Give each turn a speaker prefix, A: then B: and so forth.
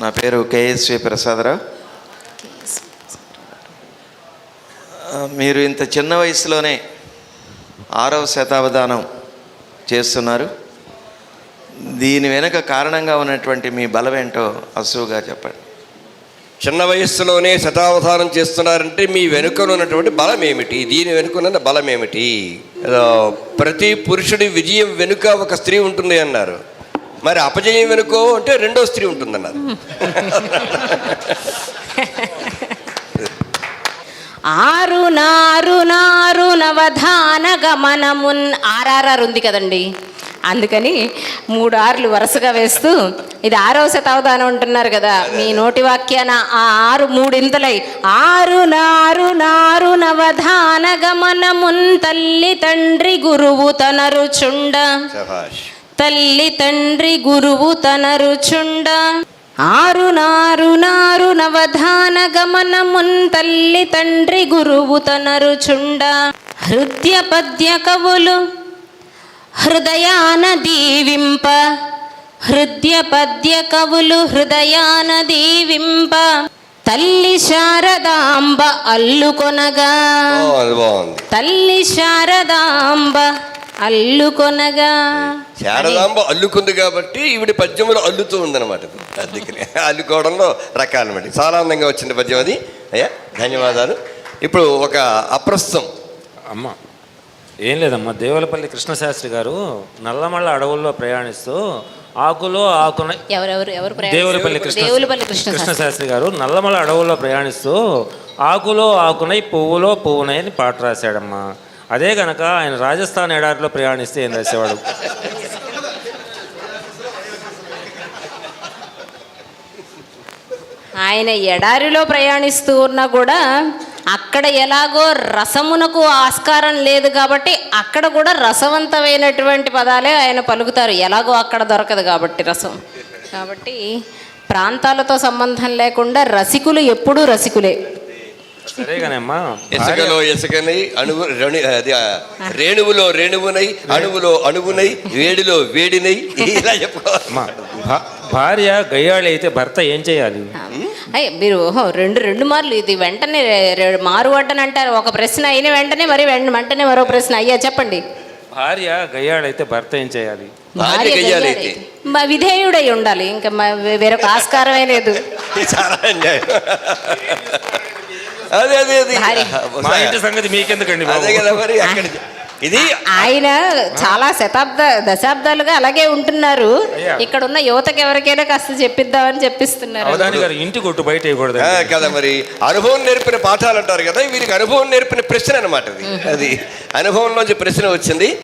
A: నా పేరు కేఎస్వి ప్రసాదరావు. మీరు ఇంత చిన్న వయసులోనే 6వ శతావధానం చేస్తున్నారు. దీని వెనుక కారణంగా ఉన్నటువంటి మీ బలం ఏంటో అసువుగా చెప్పండి.
B: చిన్న వయస్సులోనే శతావధానం చేస్తున్నారంటే మీ వెనుకలో ఉన్నటువంటి బలం ఏమిటి? దీని వెనుకన్న బలం ఏమిటి? ప్రతి పురుషుడి విజయం వెనుక ఒక స్త్రీ ఉంటుంది అన్నారు. మరి అపజయం వెనుకో అంటే రెండో స్త్రీ ఉంటుందన్నారు.
C: ఆరు నారు నారు నవధాన గమనమున్ ఆర్ఆర్ఆర్ ఉంది కదండి, అందుకని 3 ఆర్లు వరుసగా వేస్తూ ఇది 6వ శతావధానం అంటున్నారు కదా. మీ నోటి వాక్యాన ఆ 6 మూడింతలై ఆరు నారు నారు నవధాన గమనమున్ తల్లి తండ్రి గురువు తనరుచుండ తల్లి తండ్రి గురువు తనరుచుండ ఆరు నారు నారు నవధాన గమనమున్ తల్లి తండ్రి గురువు తనరుచుండ హృదయ పద్య కవులు హృదయాన దీవింప హృదయ పద్య కవులు హృదయాన దీవింప తల్లి శారదాంబ అల్లుకొనగా తల్లి శారదాంబ అల్లుకొనగా.
B: శారదాంబ అల్లుకుంది కాబట్టి ఈవిడ పద్యములు అల్లుతూ ఉందన్నమాట. అందుకని అల్లుకోవడంలో రకాలన్నమాట. చాలా అందంగా వచ్చింది పద్యం అది. అయ్యా ధన్యవాదాలు. ఇప్పుడు ఒక అప్రస్తుతం
D: అమ్మ ఏం లేదమ్మా, దేవులపల్లి కృష్ణశాస్త్రి గారు నల్లమల్ల అడవుల్లో ప్రయాణిస్తూ ఆకులో ఆకున దేవులపల్లి కృష్ణశాస్త్రి గారు నల్లమల్ల అడవుల్లో ప్రయాణిస్తూ ఆకులో ఆకునై పువ్వులో పువ్వునై అని పాట రాశాడమ్మా. అదే కనుక ఆయన రాజస్థాన్ ఎడారిలో ప్రయాణిస్తే ఏం రాసేవాడు?
C: ఆయన ఎడారిలో ప్రయాణిస్తూ ఉన్నా కూడా అక్కడ ఎలాగో రసమునకు ఆస్కారం లేదు కాబట్టి అక్కడ కూడా రసవంతమైనటువంటి పదాలే ఆయన పలుకుతారు. ఎలాగో అక్కడ దొరకదు కాబట్టి రసం. కాబట్టి ప్రాంతాలతో సంబంధం లేకుండా రసికులు ఎప్పుడూ రసికులే.
D: సరేగానమ్మా,
B: ఇసుకలో ఇసుకనై రేణువులో రేణువునై అణువులో అణువునై వేడిలో వేడినై ఇలా చెప్పుకోవాలమ్మా.
D: భార్య గయ్యాళి అయితే భర్త ఏం చేయాలి?
C: మీరు రెండు మార్లు ఇది వెంటనే మారువడ్డని అంటారు. ఒక ప్రశ్న అయిన వెంటనే మరి వెంటనే మరో ప్రశ్న. అయ్యా చెప్పండి.
D: భార్య గయ్యాళి అయితే భర్త ఏం చేయాలి?
C: విధేయుడై ఉండాలి. ఇంకా వేరొక ఆస్కారమే లేదు.
B: అదే అదే అది
D: మా ఇంటి సంగతి మీకెందుకండి?
B: అదే కదా మరి. అక్కడ ఇది
C: ఆయన చాలా దశాబ్దాలుగా అలాగే ఉంటున్నారు. ఇక్కడ ఉన్న యువతకి ఎవరికైనా కాస్త చెప్పిద్దామని చెప్పిస్తున్నారు.
D: ఇంటి కొట్టు బయట
B: కదా మరి. అనుభవం నేర్పిన పాఠాలు అంటారు కదా, వీరికి అనుభవం నేర్పిన ప్రశ్న అనమాట. అది అనుభవంలోంచి ప్రశ్న వచ్చింది.